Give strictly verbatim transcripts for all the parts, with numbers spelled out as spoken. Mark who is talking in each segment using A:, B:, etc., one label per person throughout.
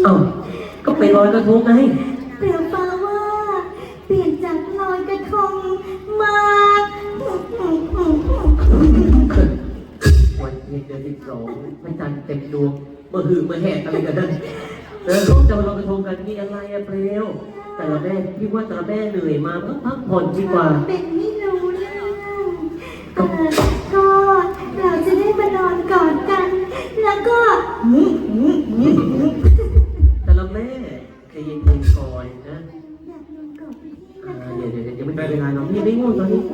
A: เอ้าก็ไปลอยกระทงไง
B: เปลี่ยนฟ้าว่าเปลี่ยนจากลอยกระทงมา
A: วันเพ็ญเดือนสิบสองพระจันทร์เต็มดวงเมื่อหือเมื่อแหกอะไรกันนั่นเออเขาจะมาลอยกระทงกันนี่อะไรอะเปลวแต่ละแม่พี่ว่าแต่ละแม่เหนื่อยมาพักผ่อนดีกว่า
B: เป็นไม่รู้เรื่องก็เราจะได้มานอนกอดกันแล้วก็
A: แต่ละแม่ใจเย็นๆก่อนนะ
B: อยากนอนกอดพี่นะคะ
A: เดี๋ยวเดี๋ยวยังไม่ได้เวลาน้องพี่ไม่ง่วงตอนนี้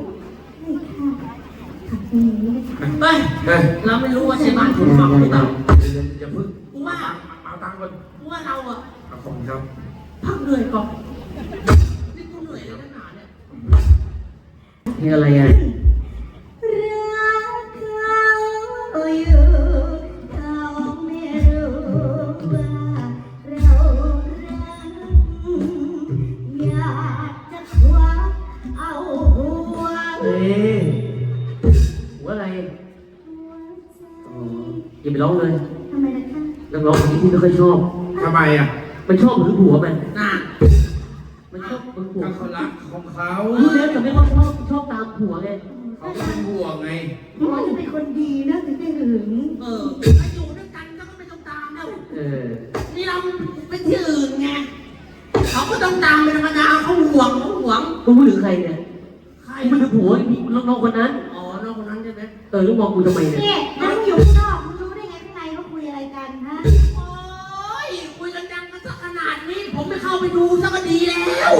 B: ไป
C: เราไม่รู้ว่าใช่บ้านคุณฟังหรือเปล่า
D: อย่าพึ่ง
C: กูว่า
D: เอาตังค์ก่อน
C: กูว่าเราอะ
D: เอาของครับ
C: พักเหนื่อยก่อนนี่กูเหนื่อยแล้วหนาเนี่ย
A: เพลงอะไรอ่ะ
B: รักเขาอยู่เขาไม่รู้ว่าเรารักอยากจะคว้าเอาหัว
A: เอ๊ะหัวอะไรอ๋ออย่าไปร้องเลย
B: ทำไมล่ะคะ
A: นักร้องคนนี้พี่ไม่ค่อยชอบ
D: ทำไมอ่ะ
A: มันชอบหรือหัวมัน
C: น่า
A: มันชอบมันหัว
D: เขารักของเขา
A: รู้แล้วแต่ไม่ว่าชอบชอบตามหัวไง
D: เขาเป็นห่วงไง
B: ว่าจะเป็นคนดีนะถึงได้หึง
C: เออไปอยู่ด้วยกันก็ไม่ต้องตามแล้ว
A: เออ
C: นี่เราไปที่อื่นไงเขาก็ต้องตามเป็นธรรมดาเขาห่วงเขาห่วง
A: กูพูดถึงใครเนี่ย
C: ใคร
A: ไม่ถึงหัวน้องคนนั้น
C: อ๋อน้องคนนั้นใช่ไหม
A: เออแล้วมองกูทำไมเนี่ย
B: เนี่ยนั่งอยู่ข้างนอกมึงรู้ได้ไงข้างในเขาคุยอะไรกันฮะ
C: โอ้ยคุยกันดังกันสักขนาดนี้ผมไม่เข้าไปดูสักก็ดีแล้ว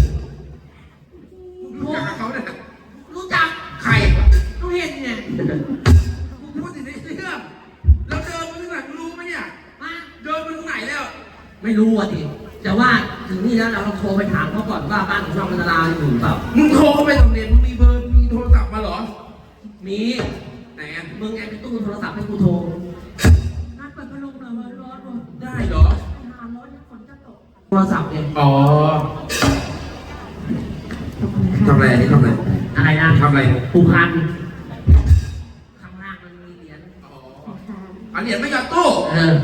D: รู้จักเขาเนี่ย
C: รู้จัก
D: ใคร
C: เขาเห็นเนี่ย
D: กูพูดถึงในเรื่องแล้วเดินมาถึงไหนมึงรู้ไหมเนี่ยเดินมาถึงไหนแล้ว
C: ไม่รู้อ่ะดิแต่ว่าถึงนี่แล้วเราโทรไปถามเขาก่อนว่าบ้านของช่องพันธราอยู่เปล่า
D: มึงโทรเข้าไปตรงเรียนมึงมีเบอร์มีโทรศัพท์มาเหรอ
C: มี
D: ไหนอ่ะ
C: มึงไงไปตู้โทรศัพท์ให้กูโทรนัดเปิดพัดลมหน่อยว่าร้อนว่ะ
D: ได้เหรอ
C: หาร้อนฝนจะตกโทรศัพท์เนี่ย
D: อ๋อทำอะไรนี่ทำอะไร
C: อะไรนะ
D: ทำอะไร
C: ปูพันข้างล่างมันมีเหรียญอ๋อ
D: เอาเหรียญไม่หยอดตู้
C: เออ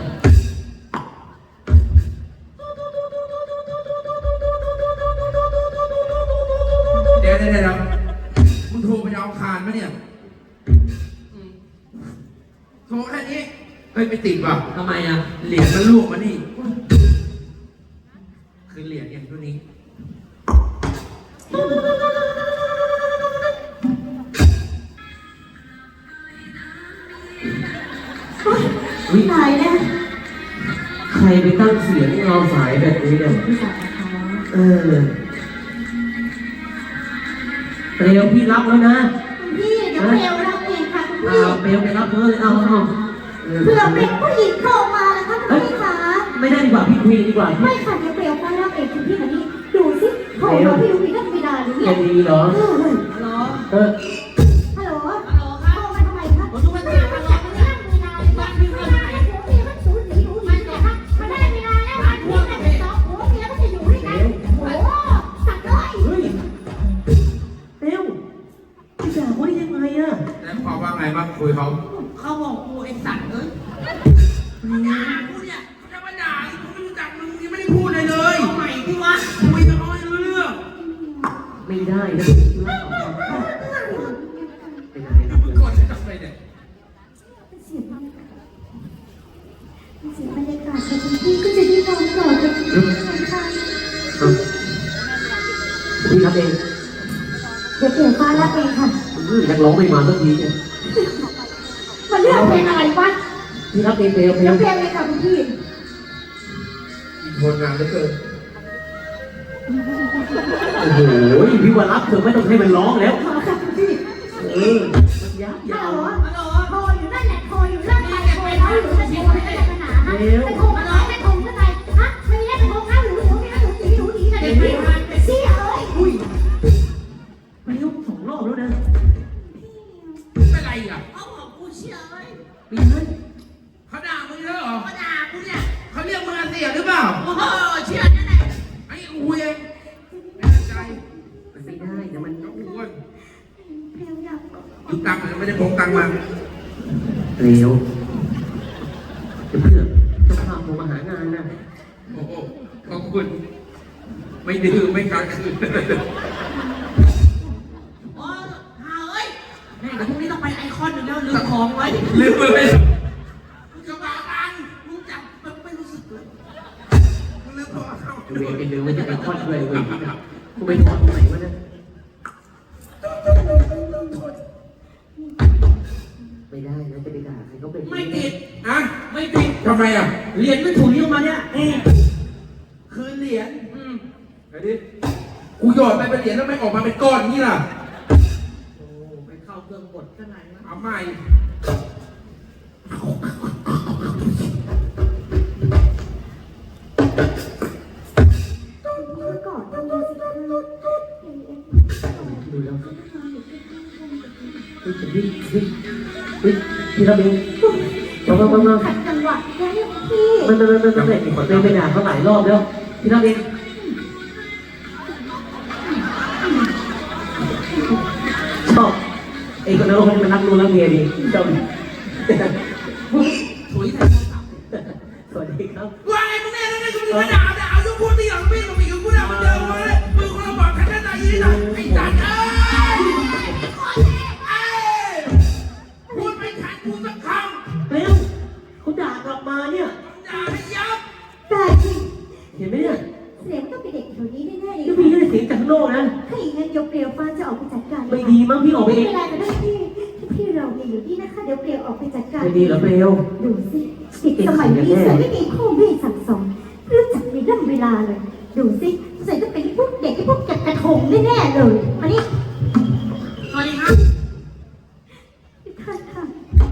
D: เดี๋ยวเดี๋ยวเดี๋ยวมึงโทรไปเอาคานไหมเนี่ยโทรแค่นี้เฮ้ยไปติดป่ะ
C: ทำไมอ่ะ
D: เหรียญมันลูกมานี่คือเหรียญเนี่ยตัวนี้
A: วิ
B: ตายแล้ว
A: ใครไปตั้งเสียงเราสายแบบนี้เนี่ยเออเปลวพี่รับแล้วนะ
B: พี่เดี๋ยวเปลวรับเองค่ะคุณพี่
A: เอาเปลวไปรับเลยเอาเอา
B: เผื่อเป็นผู้หญิงเข้ามาแล้วค่ะคุณพี่คะ
A: ไม่ได้ดีกว่าพี่คุยดีกว่า
B: ไม่ค่ะเดี๋ยวเปลวฟ้ารับเองคุณพี่มานี่ดูสิเขาเราพี่ดูพี่ก็ไม่ได้หรือเนี่ย
A: ดีเหรอ
C: ฮัลโหล
A: เออ
B: ฮัลโหล
C: ฮัลโหลครับ
B: โทรมาทำไมคะ
C: ผมดูมันเสียงฮัลโหลเนี่ยบ้านพี่เมื่อไหร่
B: พี่มันสูญเสียไม่แต่ค่ะมันได้เวลาแล้วค่ะพี่มันเป็นสองผัวเมียก็จะอยู่ด้วยกันโอ้สักด้วย
A: เฮ้ยเปลวพี่ด่าเขาได้ยังไงอะ
D: แล้วพอว่าไงบ้างคุยเขา
C: เขาบอกกูไอ้สัตว์เอ้ยด่ากูเนี่ย
D: จะมาด่ากูไม่รู้จักมึงยังไม่ได้พูดเลยเลย
C: เอาใหม่ที่วะ
D: คุยกับเขาให้รู้เรื่อง
A: ไม่ได้นะ
D: มึงกดจะทำอะไรเนี่ย
B: เสียงบรรยากาศเสียงบรรยากาศแต่คุณพี่ก็จะได้นอนกอดกันทุกคนค่ะ
A: พี่รับเอง
B: เดี๋ยวเปลี่ยนฟ้ารับเองค่ะ
A: นักร้องไม่มาสักทีเนี่ย
B: มันเลือกเพลงอะไรวะ
A: พี่รับเองเปลวเพลง
B: เพลงอะไรค่ะคุณพี่
D: อีกคนงานเหลือเกิน
A: โอ้โหพี่ว่ารับเธอไม่ต้องให้มันร้องแล้วเออมันยาวยาว
B: โทรอยู่นั่นแหละโทรอยู่นั่นไปโทรแล้วอยู่นั่นโทรไม่ได้ขนาดนะไม่โทรมาน้อยไม่โทรเท่าไหร่ฮะไม่ได้โทรข้าวหรือหนูนี่หนูตีหนูตีอะไรไม่เสียเลย
A: อุ้ยไปยกสองรอบแล้วนะ
D: เป็นไรอ่ะ
C: เขาบอกกูเชื่อเลย
A: ปีนั้น
D: เขาด่ามึงเยอะเหรอ
C: เขาด่ากูเนี่ย
D: เขาเรียกมึงเสียหรือเปล่า
C: โอ้โหเชื่อนั่นแหละ
D: ไอ้อูเองไม่ใจ
A: มันไม่ได้แต่มัน
D: ต้องอ้วน
B: เพลงอยาก
D: ยุบตังค์ไม่ได้พกตังค์มา
A: เร็วเพื่อนจะพาผมมาหางานนะ
D: คุณ ไม่ดื้อไม่กัดคืน
C: โอ้หาเอ้ยแม่เดี๋ยวพรุ่งนี้ต้องไปไอคอนหนึ่งแล้วลืมของไว้
D: ลืมไป
C: มึงจะมาบังมึงจับมันไม่รู้สึกเลย
D: ลืมพอเข้า
A: เวรเป็นลืมว่าจะไปคลอดด้วยเว้ยกูไปทอดตรงไหนวะเนี่ยไม่ได้นะจะไปด่าใครเขาเป็น
C: ไม่ติด
D: อะ
C: ไม่ติด
D: ทำไมอ่ะ
C: เหรียญไม่ถูกยกมาเนี่ยอืมคืนเหรียญอืม
D: ไอ้ดิกูหยอดไปเป็นเหรียญแล้วไม่ออกมาเป็นก้อนนี่ล่ะ
C: โอ้ไปเข้าเครื่องบดข้างในนะ
D: เอาใหม่
B: เมื่อก่อนทำดูสิคะ
A: ดูแล้วเฮ้ยเฮ้ยเฮ้ยเฮ้ยพี่ระเบียงมามามามา
B: ขัดจังหวะได้ยังพี่
A: มันมันมันมันเป็นไปด่าเขาหลายรอบแล้วพี่ระเบียงชอบไอ้คนนั้นคนนี้มันรักลูกรักเมียดีชอบ
C: ถุยใส่โทรศัพท์
A: สวัสดีครับ
D: ว่าไงมึงเนี่ยนั่นไงกูจะมาด่าด่าเอาทุกคนที่หลังพี่กับพี่กับกูด่ามันเดิมเลยมึงคนละบอกกันแค่ไหนยี่หน่อยไอ้สัตว์เอ้ยเอ้ยพูดไม่ทันกูสักคำ
A: เร็วเขาด่ากลับมาเนี่ย
D: ด่าให้ยับ
B: แต่จริง
A: เห็นไหมเนี่ย
B: เสียงต้องเป็นเด็กแถวนี้แน่ๆเลย
A: ก็มีแค่เสียงจากข้างนอกนะ
B: ถ้าอย่างนั้นเดี๋ยวเปลี่ยวฟ้าจะออกไปจัดการ
A: ไม่ดีมั้งพี่ออกไป
B: ไม่
A: เอง
B: เป็นไรก็ได้พี่พี่เราเนี่ยอยู่นี่นะคะเดี๋ยวเปลี่ยวออกไปจัดการ
A: ไม่ดีเหรอเร็ว
B: ดูสิเด็กสมัยนี้สวยไม่มีพ่อแม่สั่งสอนรู้จักในเรื่องเวลาเลย ดูสิสวยจะเป็นพวกเด็กที่พวกจัดกระทงแน่ๆเลยมานี่
C: สวัสดีครับ
B: ค่ะค่ะ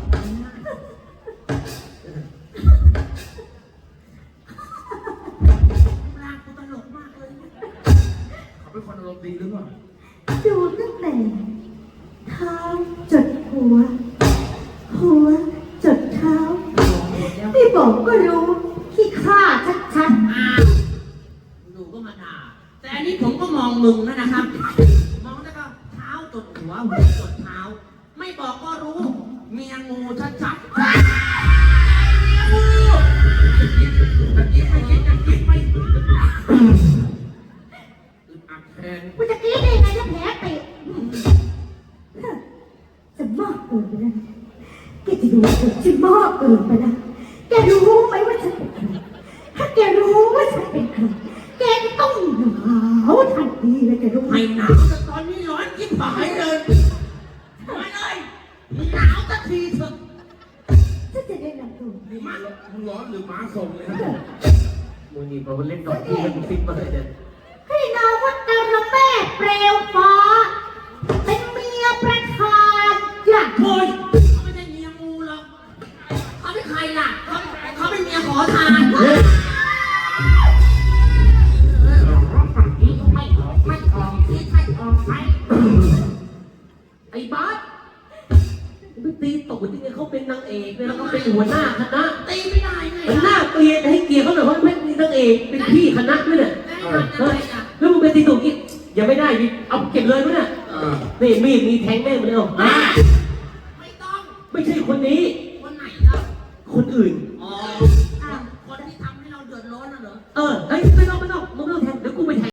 C: ลากกูตลกมากเลย
D: เขาเป็นคนอารมณ์ดีหรือเปล่า
B: ดูตั้งแต่เท้าจดหัว หัวจดเท้าไม่บอกก็รู้ขี้ข้าชัด
C: อ้าวดูก็มาด่าแต่อันนี้ผมก็มองมึงนะนะครับ มองแล้วก็เท้าจดหัวหัวจดเท้า ไม่บอกก็รู้ เมียงูชัดๆ
D: ตะกี้ไม่คิดจะคิดไม่อึดอัดแทน
B: ๆกูจะกรี๊ดได้ยังไงถ้าแผลเตะจะมากเกินไปนะแกจะดูจะมากเกินไปนะแกรู้ไหมว่าฉันเป็นใครถ้าแกรู้ว่าฉันเป็นใครแกจะต้องหนาวทันทีเลยแกรู้ไหม
C: ไม่หนาวแต่ตอนนี้ร้อนยิ่งหายเลยมาเลยหนาวสักทีเถอะ
B: ฉันจะได้นำตัว
D: นี่ม้ามึงร้อนหรือม้าส่งเลยนะ
A: มึงนี่พอเล่นดอกที่มันฟิตมาเลยเนี่ย
B: ให้นามว่าตาละแม่เปลวฟ้า เป็นเมียประธานอย่าง
C: โอ้ยเขาไม่ใช่เมียงูหรอกเขาเป็นใครล่ะเขาเขาเป็นเมียขอทาน
A: เฮ้ย
C: ไม่ออกไม่ออกที่ไม่ออกไป
A: ไอ้บาสไปตีตกที่ไงเขาเป็นนางเอกเนี่ยแล้วก็เป็นหัวหน้าคณะ
C: ตีไม่ได้ไง
A: มันน่าเกลียดให้เกียรติเขาหน่อยเพราะไม่มีนางเอกเป็นพี่คณะด้วยเนี่ย
C: ได้ทำยังไงอ่ะ
A: แล้วมึงไปตีตกกี่ยังไม่ได้ดิเอาเก็บเลยมั้ยเนี่ย
D: เออ
A: นี่มีดมีแทงแม่งมาเลยเหรออ่ะ
C: ไม่ต้อง
A: ไม่ใช่คนนี้
C: คนไหนล่ะ
A: คนอื่น
C: อ๋อคนที่ทำให้เราเดือดร้อนน่ะเหรอ
A: เออเฮ้ยไม่ต้อง